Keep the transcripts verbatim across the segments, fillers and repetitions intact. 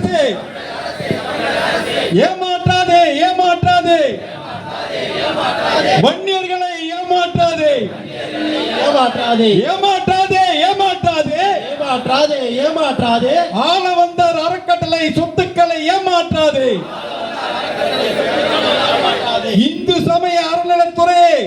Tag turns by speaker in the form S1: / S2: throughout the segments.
S1: அரசே ஏமாற்றாதே ஏமாற்றாதே வன்னியர்களை ஏமாற்றாதே
S2: ஏமாற்றாதே
S1: ஏமாற்றாதே ஏமாற்றாதே
S2: ஏமாற்றாதே ஏமாற்றாதே
S1: ஆள வந்தார் அறக்கட்டளை சொத்துக்களை ஏமாற்றாதே இந்து சமய அறநிலைத்துறையை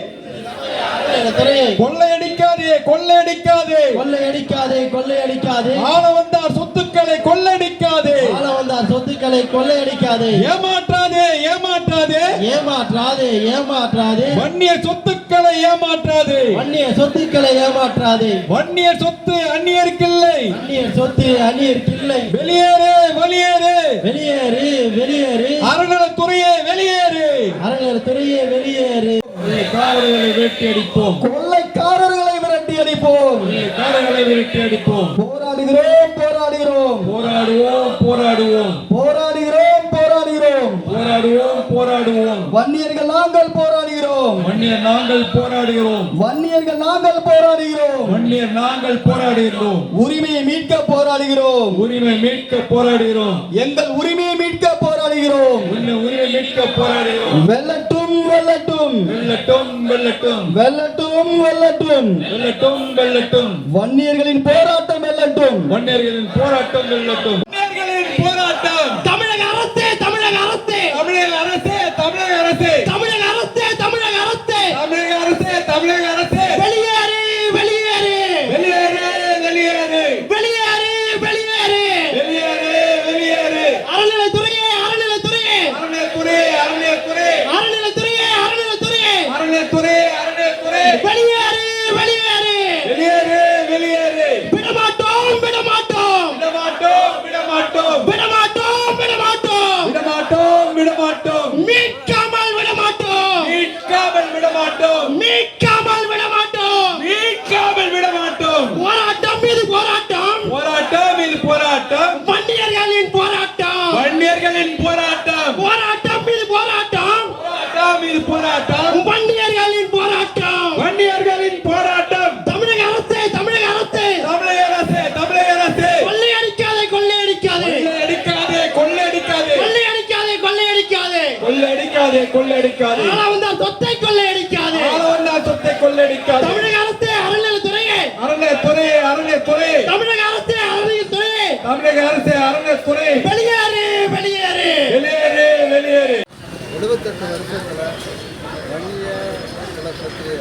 S1: கொள்ளையடிக்காதே கொள்ளையடிக்காதே
S2: கொள்ளையடிக்காதே கொள்ளையடிக்காதே
S1: ஆள வந்தார் சொத்துக்களை கொள்ளையடிக்காதே
S2: ஆள வந்தார் சொத்துக்களை கொள்ளையடிக்காதே
S1: ஏமாற்றாதே ஏமாற்றாதே
S2: ஏமாற்றாதே ஏமாற்றாதே
S1: வன்னிய சொத்துக்களை ஏமாற்றாதே
S2: வன்னிய சொத்துக்களை ஏமாற்றாதே
S1: வன்னிய சொத்து அந்நியர்க்கில்லை
S2: அந்நிய சொத்து அந்நியர்க்கில்லை
S1: வெளியேறு வெளியேறு
S2: வெளியேறு வெளியேறு
S1: அறநிலைத்துறையே வெளியேறு
S2: அறநிலைத்துறையே வெளியேறு
S1: கொள்ளைக்காரர்களை விரட்டி அடிப்போம்
S2: கொள்ளைக்காரர்களை விரட்டி அடிப்போம்
S1: கொள்ளைக்காரர்களை விரட்டி அடிப்போம்
S2: போராடுகிறோம் போராடுகிறோம்
S1: போராடுவோம் போராடுவோம்
S2: போராடுகிறோம் போராடுகிறோம்
S1: போராடுவோம் போராடுவோம்
S2: வன்னியர்கள் நாங்கள் போராடுகிறோம்
S1: வன்னியர் நாங்கள் போராடுகிறோம்
S2: வன்னியர்கள் நாங்கள் போராடுகிறோம்
S1: வன்னியர் நாங்கள் போராடுகிறோம்
S2: உரிமையை மீட்க போராடுகிறோம்
S1: உரிமை மீட்க போராடுகிறோம்
S2: எங்கள் உரிமையை மீட்க போராடுகிறோம்
S1: உரிமை மீட்க போராடுகிறோம்
S2: வெல்லட்டும் வெல்லட்டும்
S1: வெல்லட்டும் வெல்லட்டும்
S2: வெல்லட்டும் வெல்லட்டும்
S1: வெல்லட்டும் வெல்லட்டும்
S2: வன்னியர்களின் போராட்டம் வெல்லட்டும்
S1: வன்னியர்களின் போராட்டம் வெல்லட்டும் வன்னியர்களின் போராட்டம்
S2: தமிழக அரசே தமிழக அரசே
S1: தமிழக அரசே தமிழக அரசே
S2: தமிழக அரசே தமிழக அரசே
S1: தமிழக அரசே தமிழக அரசே
S2: வெளியேறு வெளியேறு
S1: வெளியேறு வெளியேறு
S2: வெளியேறு வெளியேறு
S1: வெளியேறு வெளியேறு
S2: அறநிலைத்துறையே அறநிலைத்துறையே
S1: அறநிலைத்துறை அறநிலைத்துறை
S2: அறநிலைத்துறையே அறநிலைத்துறையே
S1: அறநிலைத்துறை அறநிலைத்துறை
S2: வெளியேறு வெளியேறு
S1: வெளியேறு வெளியேறு
S2: விடமாட்டோம் விடமாட்டோம்
S1: விடமாட்டோம் விடமாட்டோம்
S2: விடமாட்டோம் விடமாட்டோம்
S1: விடமாட்டோம் விடமாட்டோம்
S2: மீட்காமல் விடமாட்டோம்
S1: மீட்காமல் விடமாட்டோம்
S2: மீட்காமல் விடமாட்டோம்
S1: மீட்காமல் விடமாட்டோம்
S2: போராட்டம் மீது போராட்டம்
S1: போராட்டம் இது போராட்டம்
S2: வன்னியர்களின் போராட்டம்
S1: வன்னியர்களின் போராட்டம்
S2: போராட்டம் மீது போராட்டம்
S1: போராட்டம் இது போராட்டம்
S2: வன்னியர்களின் போராட்டம்
S1: வன்னியர்களின் போராட்டம்
S2: தமிழக அரசே தமிழக அரசே
S1: தமிழக அரசே தமிழக அரசே
S2: கொள்ளையடிக்காதே கொள்ளையடிக்காதே
S1: கொள்ளையடிக்காதே கொள்ளையடிக்காதே
S2: கொள்ளையடிக்காதே கொள்ளையடிக்காதே
S1: கொள்ளையடிக்காதே கொள்ளையடிக்காதே
S2: ஆள வந்தார் சொத்தை கொள்ளையடிக்காதே
S1: ஆள வந்தார் சொத்தை கொள்ளையடிக்காதே
S2: தமிழக அரசே அறநிலைத்துறையே
S1: அறநிலைத்துறை அறநிலைத்துறை
S2: தமிழக அரசே அறநிலைத்துறையே
S1: தமிழக அரசே அறநிலைத்துறை
S2: வெளியேறு வெளியேறு
S1: வெளியேறு வெளியேறு
S3: எழுபத்தெட்டு வருஷத்தில் வன்னிய குலத்திலே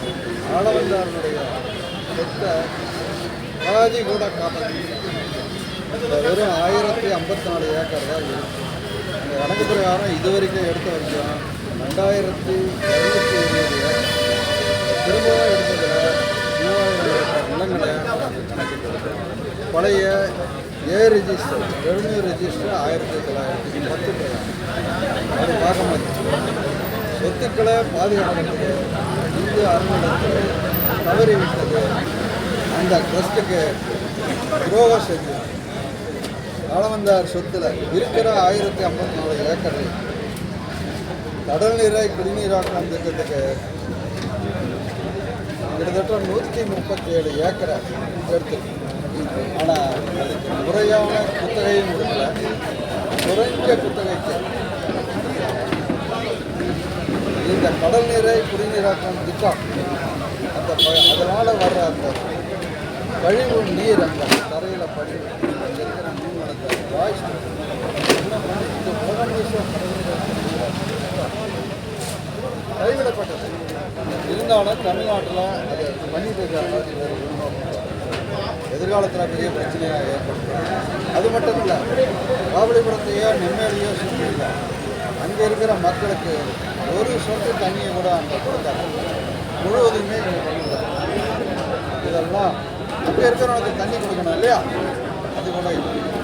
S3: ஆளவந்தாருடைய சொத்தை பாதி கூட காப்பாற்றி வெறும் ஆயிரத்தி ஐம்பத்தி நாலு ஏக்கர் தான் இருக்குது. அந்த கணக்கு பிரகாரம் இது வரைக்கும் எடுத்த வரைக்கும் ரெண்டாயிரத்தி இரநூத்தி இருபது ஏக்கர் திரும்பவும் எடுத்ததில் மூவாயிரம் நிலங்களை பழைய ஏ ரிஜிஸ்டர் ரெவன்யூ ரிஜிஸ்டர் ஆயிரத்தி தொள்ளாயிரத்தி பத்து அது பார்க்க மாட்டேன். சொத்துக்களை பாதுகாக்கிறதுக்கு இந்து அறநிலையத்துறை தவறிவிட்டது. அந்த ட்ரஸ்ட்டுக்கு துரோகம் செஞ்சு ஆளவந்தார் சொத்தில் இருக்கிற ஆயிரத்தி ஐம்பத்தி நாலு ஏக்கரை கடல் நீரை குடிநீராக்கம் திட்டத்துக்கு கிட்டத்தட்ட நூற்றி முப்பத்தி ஏழு ஏக்கரை எடுத்து, ஆனால் அதுக்கு முறையான குத்தகையும் கொடுக்கல. குறைஞ்ச குத்தகைக்கு இந்த கடல் நீரை குடிநீராக்கம் திட்டம் அந்த அதனால் வர்ற அந்த கழிவு நீர் அந்த தரையில் படி அங்கே இருக்கிற மீன் வளர்த்த வாய்ஸ் இந்த முதலமைச்சர் கைவிடப்பட்டது. இருந்தாலும் தமிழ்நாட்டில் அது பண்ணிட்டு எதிர்காலத்தில் பெரிய பிரச்சனையாக ஏற்படுத்தும். அது மட்டும் இல்லை, காவலிபுரத்தையோ நெம்மேலியோ சுற்றி இல்லை, அங்கே இருக்கிற மக்களுக்கு ஒரு சொட்டு தண்ணியை கூட அங்கே கொடுத்தாங்க. முழுவதுமே இங்கே பண்ணிடுறாங்க. இதெல்லாம் அங்கே இருக்கிறவனுக்கு தண்ணி கொடுக்கணும் இல்லையா, அது கூட இல்லை.